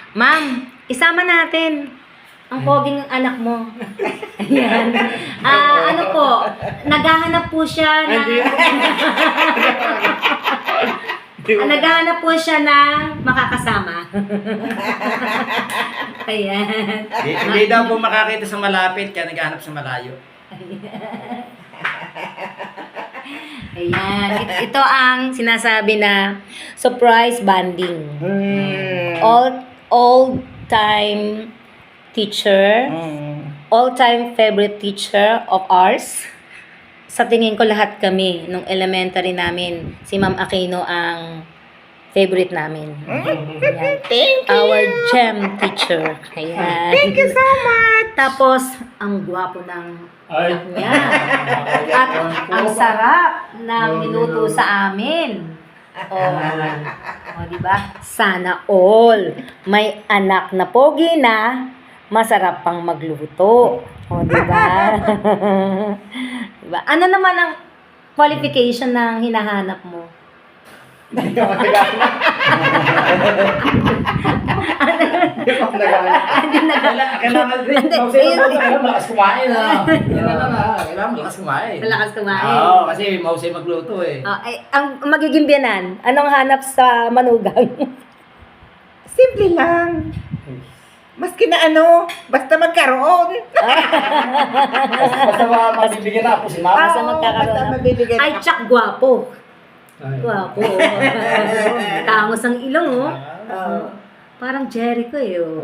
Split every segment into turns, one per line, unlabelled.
Ma'am, isama natin ang poging anak mo. Ayan. Ano po, naghahanap po siya na... naghahanap po siya ng makakasama. Ayan.
Hindi daw po makakita sa malapit, kaya naghahanap sa malayo.
Ayan. Ito ang sinasabi na surprise bonding. All-time teacher, all-time favorite teacher of ours. Sa tingin ko lahat kami, nung elementary namin, si Ma'am Aquino ang favorite namin. Ayan.
Thank you.
Our gem teacher. Ayan.
Thank you so much.
Tapos, ang gwapo ng anak niya. At ang sarap ng minuto sa amin. O, diba? Sana all. May anak na pogi na, masarap pang magluto. O, diba? Diba? Ano naman ang qualification ng hinahanap mo?
Hindi ka magagana. Hindi ka magagana. Kailangan malakas kumain ha.
Kailangan malakas kumain.
Malakas kumain.
Oo, kasi mausay magluto eh.
Ang magiging biyanan, anong hanap sa manugang?
Simple lang. Maski na ano, basta magkaroon.
Basta mabibigyan na ako si Mama.
Basta magkakaroon
basta
na.
mabibigyan
Ay,
na.
tsak, gwapo. Gwapo. Tangos ang ilong, oh. Parang Jericho, eh, oh.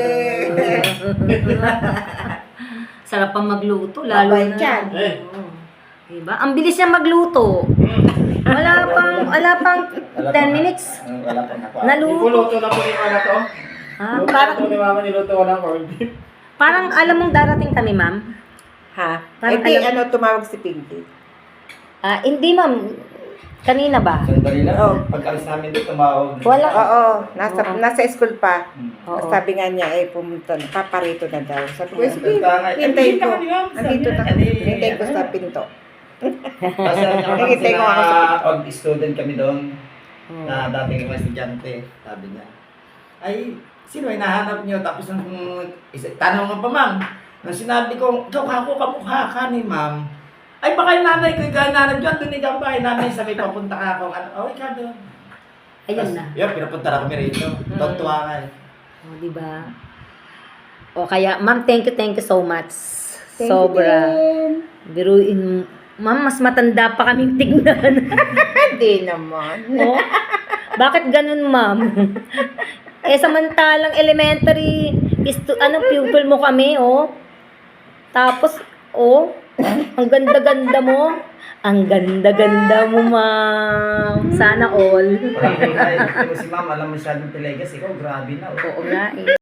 Sarap pang magluto, lalo
Babay
na.
dyan.
Oo. Diba? Ang bilis niya magluto. Wala pang 10 minutes.
Wala pang nakuha.
Naluto.
Ipuluto na po ni Mama to.
Parang,
Luto ni Mama, niluto ko ng corned beef.
parang alam mong darating kami, ma'am.
Ha?
Parang
Hindi,
alam-
tumawag si Pinky.
Hindi, ma'am. Kanina ba?
Sandali lang.
Oh.
Pag-alis namin dito, tumawag.
Wala.
Oo,
Oo.
nasa school pa.
Oo.
Sabi nga niya, pumunta, paparito na daw. Sabi ko,
Yes,
sige,
tama.
hintayin ko.
Andito ka, ma'am.
Andito na.
Sabi niya,
Hintayin ko sa pinto.
Kasi
Nakikita ko ako sa pinto.
student kami doon.
Oo.
Na dating mga estudyante. Sabi niya.
Ay, sino ay nahanap niyo? Tapos nung tanong mo pa, ma'am. Nung sinabi ko, ikaw kako kamukha ka ni ma'am. Ay, baka yung nanay ko, ikaw yung nanay dyan, doon ikaw ba? Yung nanay sabi, papunta ka ako. Ano, ikaw doon.
Ayun na.
Yun, pinapunta na kami rito. Tontuwa ka eh.
Diba? O kaya, ma'am, thank you so much.
Thank you
Sobra.
din.
Biruin, ma'am, mas matanda pa kaming tignan.
Hindi naman.
Oh, bakit ganun, ma'am? Samantalang elementary, pupil mo kami, oh. Tapos, ang ganda-ganda mo. Ang ganda-ganda mo, ma'am. Sana all.
Parang si Ma'am, alam mo masyadong Pelegas. Ikaw, grabe na.
Oo nga, eh.